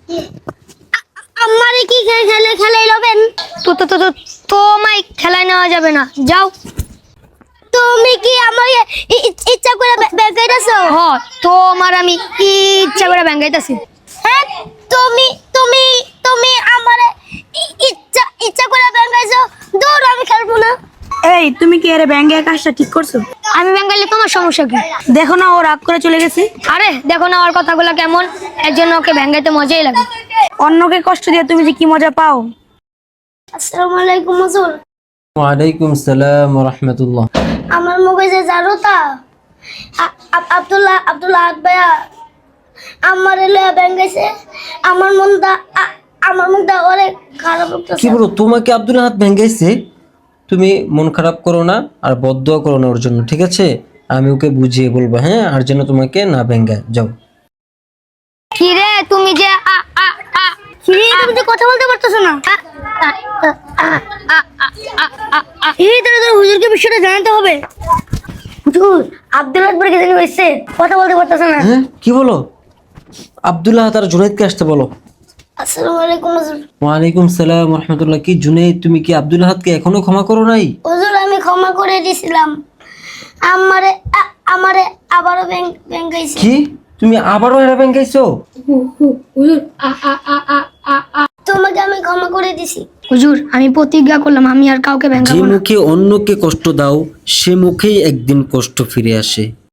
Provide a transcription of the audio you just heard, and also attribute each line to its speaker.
Speaker 1: আমারে কি খেলে লবেন?
Speaker 2: তোমায় খেলায় নেওয়া যাবে না, যাও।
Speaker 1: তুমি কি আমাকে ইচ্ছা করে বেগাইতাছো?
Speaker 2: হ, তোমার আমি ইচ্ছা করে ব্যাঙ্গাইতাছি।
Speaker 1: হ্যাঁ, তুমি তুমি তুমি আমারে ইচ্ছা করে বেগাইছো। দূর, আমি খেলবো না।
Speaker 3: এই তুমি কি এর ব্যাঙ্গে কাজটা ঠিক করছো?
Speaker 2: আমি ব্যাঙ্গাইলে তোমার সমস্যা কি?
Speaker 3: দেখো না ও রাগ করে চলে গেছে।
Speaker 2: আরে দেখো না ওর কথাগুলো কেমন, এর জন্য ওকে ব্যাঙ্গাইতে মজাই লাগে।
Speaker 3: অন্যকে কষ্ট দিয়ে তুমি যে কি মজা পাও।
Speaker 1: আসসালামু আলাইকুম হুজুর।
Speaker 4: ওয়ালাইকুম সালাম ওয়া রাহমাতুল্লাহ।
Speaker 1: আমার মুখে যে জারুতা আব্দুল্লাহ ভাইয়া আমার লয়া বেগাইছে। আমার মুখটা অনেক খারাপ
Speaker 4: কি
Speaker 1: লাগতেছে।
Speaker 4: বলো, তোমাকে আব্দুল আহাদ ভেঙ্গাইছে? তুমি মন খারাপ করো না আর বদদোয়া করো না ওর জন্য, ঠিক আছে? আমি ওকে বুঝিয়ে বলবো, হ্যাঁ, আর যেন তোমাকে না ভেঙ্গায়। যাও।
Speaker 2: কি রে তুমি যে
Speaker 1: তুমি তো কথা বলতে পারতেছো না। এই তোর হুজুরকে বিষয়টা জানাতে হবে। হুজুর, আব্দুল্লাহ ভাই কি জানি হইছে, কথা বলতে পারতেছে না।
Speaker 4: হ্যাঁ, কি বলো? আব্দুল আহাদ আর জুনাইদকে আসতে বলো।
Speaker 1: আসসালামু আলাইকুম হুজুর।
Speaker 4: ওয়ালাইকুম সালাম ওয়া রাহমাতুল্লাহ। কি জুনাইদ, তুমি কি আব্দুল আহাদকে এখনো ক্ষমা করো নাই?
Speaker 1: হুজুর, আমি ক্ষমা করে দিয়েছিলাম। আমারে আবারও বেঙ্গাইছে।
Speaker 4: কি, তুমি আবারও এরা ভেঙ্গাইছো?
Speaker 1: তোমাকে আমি ক্ষমা করে দিছি।
Speaker 2: হুজুর, আমি প্রতিজ্ঞা করলাম আমি আর কাউকে
Speaker 4: যে
Speaker 2: ব্যাঙ্গাবো না।
Speaker 4: মুখে অন্যকে কষ্ট দাও সে মুখেই একদিন কষ্ট ফিরে আসে।